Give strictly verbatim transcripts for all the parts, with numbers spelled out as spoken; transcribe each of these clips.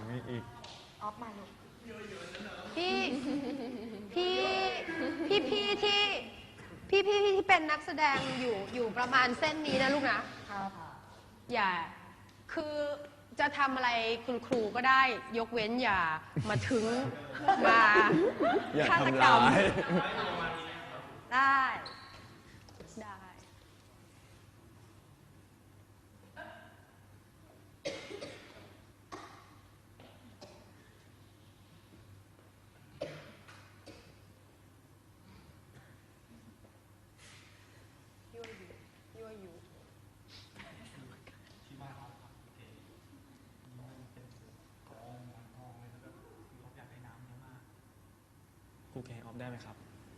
มีอีกออฟมาลูกพี่พี่พี่พี่ที่พี่พี่ที่เป็นนักแสดงอยู่อยู่ประมาณเส้นนี้นะลูกนะครับอย่าคือจะทำอะไรคุณครูก็ได้ยกเว้นอย่ามาถึงมาฆาตกรรมได้ได้ครูเกให้ออฟได้ไหมครับ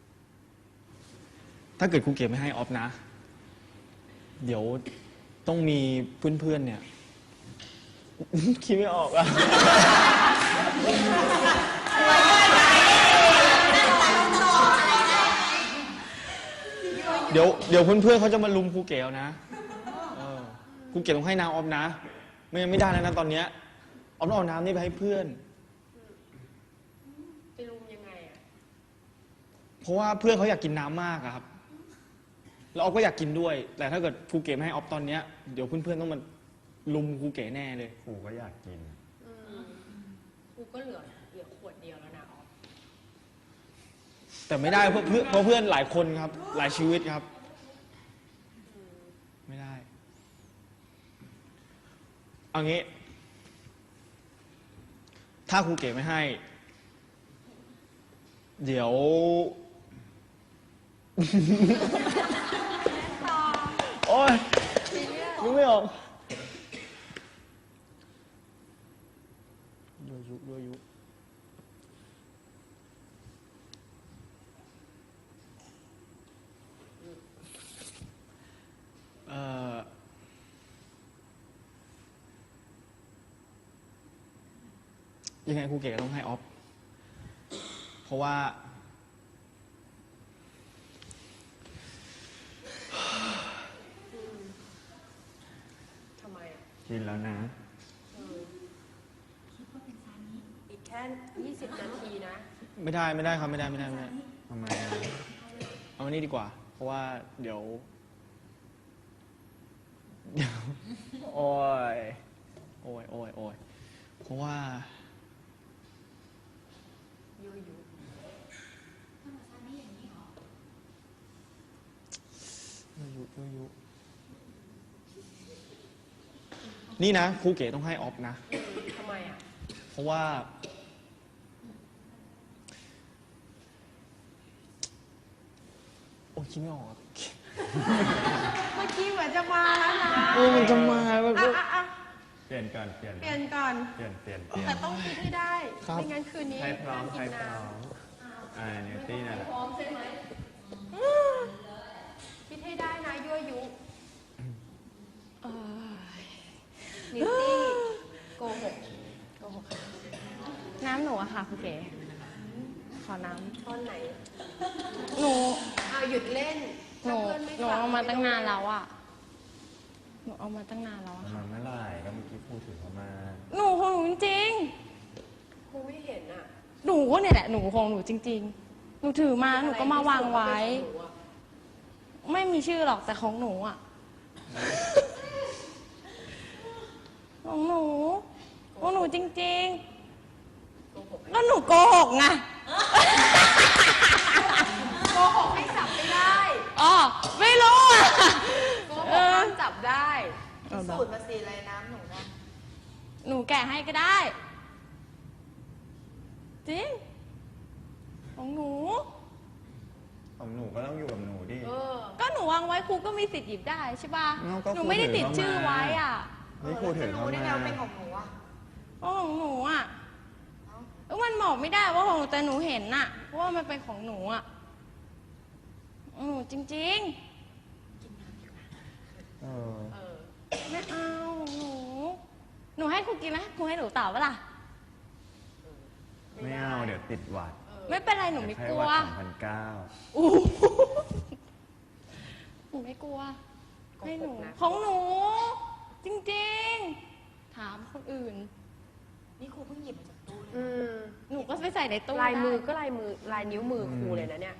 ถ้าเกิดครูเกไม่ให้ออฟนะเดี๋ยวต้องมีเพื่อนๆเนี่ยคิดไม่ออกอะเดี๋ยวเดี๋ยวเพื่อนๆเขาจะมาลุมครูเกเอานะครูเกต้องให้น้ำออฟนะไม่งั้นไม่ได้แล้วนะตอนเนี้ยออฟต้องเอาน้ำนี่ไปให้เพื่อนจะลุมยังไงอ่ะเพราะว่าเพื่อนเขาอยากกินน้ำมากครับแล้วออฟก็อยากกินด้วยแต่ถ้าเกิดครูเก๋ไม่ให้ออฟตอนเนี้ยเดี๋ยวเพื่อนๆต้องมาลุมครูเก๋แน่เลยครูก็อยากกินครูก็เหลือเหลือขวดเดียวแล้วนะออฟแต่ไม่ได้เพราะเพราะเพื่อนหลายคนครับหลายชีวิตครับไม่ได้เอางี้ถ้าครูเก๋ไม่ให้เดี๋ยวโอ๊ยนึกไม่ออกยั่วยุยั่วยุเอ่อยังไงครูเก๋ต้องให้ออฟเพราะว่าทำไมอ่ะกินแล้วนะคิดว่าเป็นซานิอีกแค่ยี่สิบนาทีนะไม่ได้ไม่ได้ครับไม่ได้ไม่ได้ไม่ได้ทำไมเอาอันนี้ดีกว่าเพราะว่าเดี๋ยวเดี๋ยวโอ้ยโอ้ยโอ้ยโอ้ยเพราะว่ายั่วยุยั่วยุยั่วยุนี่นะครูเก๋ต้องให้ออฟนะทำไมอ่ะเพราะว่าโอ้ยคิดไม่ออกเมื่อกี้เหมือนจะมาแล้วนะเออมันจะมาแบบเปลี่ยนก่อนเปลี่ยนเปลี่ยนก่อนเปลี่ยนเปลี่ยนเปลี่ยนแต่ต้องคิดให้ได้ไม่งั้นคืนนี้ใครพร้อมใครพร้อมอ่าเนวตี้นั่นแหละพร้อมใช่ไหมคิดให้ได้นะยั่วยุนิวตี้โกหกโกหกน้ำหนูอะค่ะคุณเก๋ขอน้ำต้นไหนหนูอ้าวหยุดเล่นหนูหนูเอามาตั้งนานแล้วอะหนูเอามาตั้งนานแล้วมาเมื่อไหร่ก็เมื่อกี้พูดถึงเขามาหนูของหนูจริงครูไม่เห็นอ่ะหนูก็เนี่ยแหละหนูของหนูจริงๆหนูถือมาหนูก็มาวางไว้ไม่มีชื่อหรอกแต่ของหนูอะของหนูของหนูจริงๆแล้วหนูโกหกไงโกหกให้จับไม่ได้อ๋อไม่รู้อ่ะโกหกห้ามจับได้สูตรมาสีอะไรน้ำหนูนะหนูแกะให้ก็ได้จริงของหนูของหนูก็ต้องอยู่กับหนูดิก็หนูวางไว้ครูก็มีสิทธิ์หยิบได้ใช่ป่ะหนูไม่ได้ติดชื่อไว้อ่ะนี่ครูถือเขามาเป็นของหนูอ่ะของหนูอ่ะแล้วมันบอกไม่ได้ว่าของหนูแต่หนูเห็นน่ะว่ามันเป็นของหนูอ่ะหนูจริงๆเออไม่เอาหนูหนูให้ครูกินไหมครูให้หนูตอบว่าล่ะไม่เอาเดี๋ยวติดหวัดไม่เป็นไรหนูไม่กลัวสองพันเก้าหนูไม่กลัวให้หนูของหนูจริงๆถามคนอื่นนี่ครูเพิ่งหยิบมาจากตู้เลยอืมหนูก็ไปใส่ในตู้ลายมือได้ก็ลายมือลายนิ้วมือครูเลยนะเนี่ย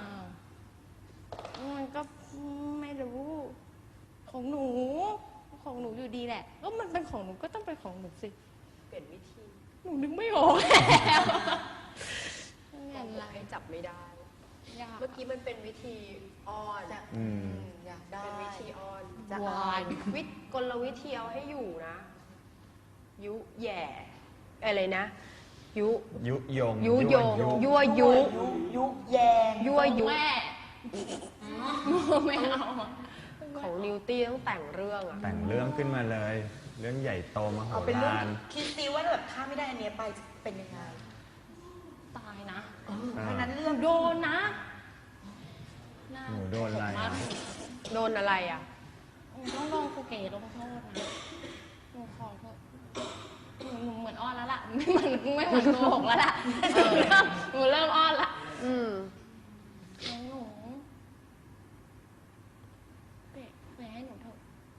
อ้าวมันก็ไม่รู้ ของหนู ของหนูอยู่ดีแหละก็มันเป็นของหนูก็ต้องเป็นของหนูสิเปลี่ยนวิธีหนูนึกไม่ออกแล้วไม่บอเป็นไรกให้จับไม่ได้ยากเมื่อกี้มันเป็นวิธีอ้อนอืมอยากได้เป็นวิธีอ้อนจะวานวิธีกลวิธีเอาให้อยู่นะ ยุแย่อะไรนะ ยุยุยงยุยง ยั่วยุยุยุแยงยั่วยุแม่ไม่เอาของนิวตี้ต้องแต่งเรื่องอะแต่งเรื่องขึ้นมาเลย เรื่องใหญ่โตมโหเอาเป็นเรื่องฬารคิดซิว่าแบบถ้าไม่ได้อันเนี้ยไปจะเป็นยังไงตายนะเพราะฉะนั้นหเรื่อนูงโดนนะาหนูโดนอะไรมาอ่ะกโดนอะไรอะหนูต้องลองครูเก๋ลงโทษนะหนูขอโทษหนูหนูเหมือนอ้อนแล้วล่ะ ไม่เหมือนไม่เหมือนโกหกแล้วล่ะเออหนูเริ่มอ้อนละอืมของหนูเก๋เก๋ให้หนูเถอะ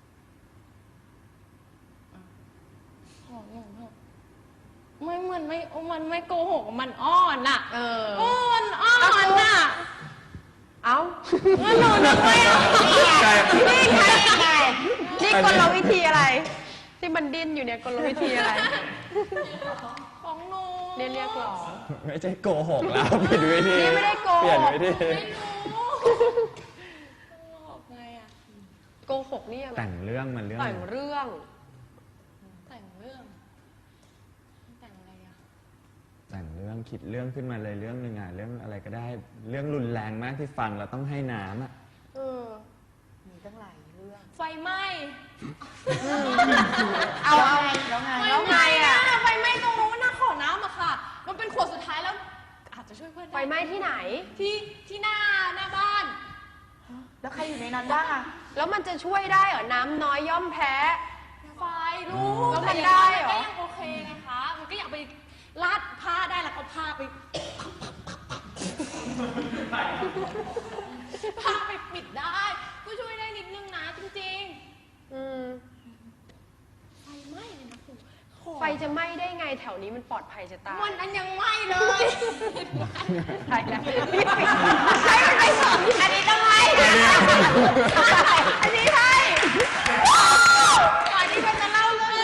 อ่ะของหนูเถอะไม่เหมือนไม่มันไม่โกหกมันอ้อนอ่ะเอออ้อนอ้อนอ่ะเอ้ามันหนูนึกไม่ออกใช่นี่ไงนี่กลวิธีอะไร ที่มันดิ้นอยู่เนี่ยกลวิธีอะไรของหนูเนี่ยเรียกร้องไม่ใช่โกหกแล้วเปลี่ยนวิธีนี่ไม่ได้โกหกเปลี่ยนวิธีไม่รู้บอกไงอ่ะโกหกนี่ยังไงแต่งเรื่องมันเรื่องแต่งเรื่องแต่งเรื่อง แต่งอะไรอ่ะแต่งเรื่องคิดเรื่องขึ้นมาเลยเรื่องหนึ่งอ่ะเรื่องอะไรก็ได้ เรื่องรุนแรงมากที่ฟังเราต้องให้น้ำอ่ะเออมีตั้งหลายเรื่องไฟไหม้เอาเอาแล้วไงแล้วไงอะไฟไหม้ตรงนู้นนะขอน้ำอะค่ะ มันเป็นขวดสุดท้ายแล้ว อาจจะช่วยเพื่อนด้ไฟไหม้ที่ไหนที่ที่หน้าหน้าบ้านแล้วใครอยู่ในนั้นบ้างอะแล้วมันจะช่วยได้เหรอ น้ำน้อยย่อมแพ้ไฟรู้แล้วมันต่ได้เหรอก็ยังโอเคไงคะ มันก็อยากไปลาดผ้าได้แล้วก็ผ้าไป ผ้าไปปิดได้ ก็ช่วยได้นิดนึงนะจริงอืมๆ ไฟไหม้เลยนะครูขอไฟจะไหม้ได้ไงแถวนี้มันปลอดภัยจะตายวันนั้นยังไหม้เลยใช่แล้วใช่มันไปสองอันนี้ต้องไหม้อันนี้ใช่ก่อนที่มันจะเล่าเรื่อง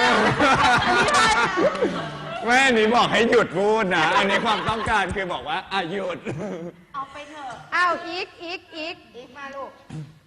แม่นี่บอกให้หยุดพูดนะ อันนี้ความต้องการคือบอกว่าอ่ะหยุดเอาไปเถอะอ้าวอีกอีกอีกอีกมาลูก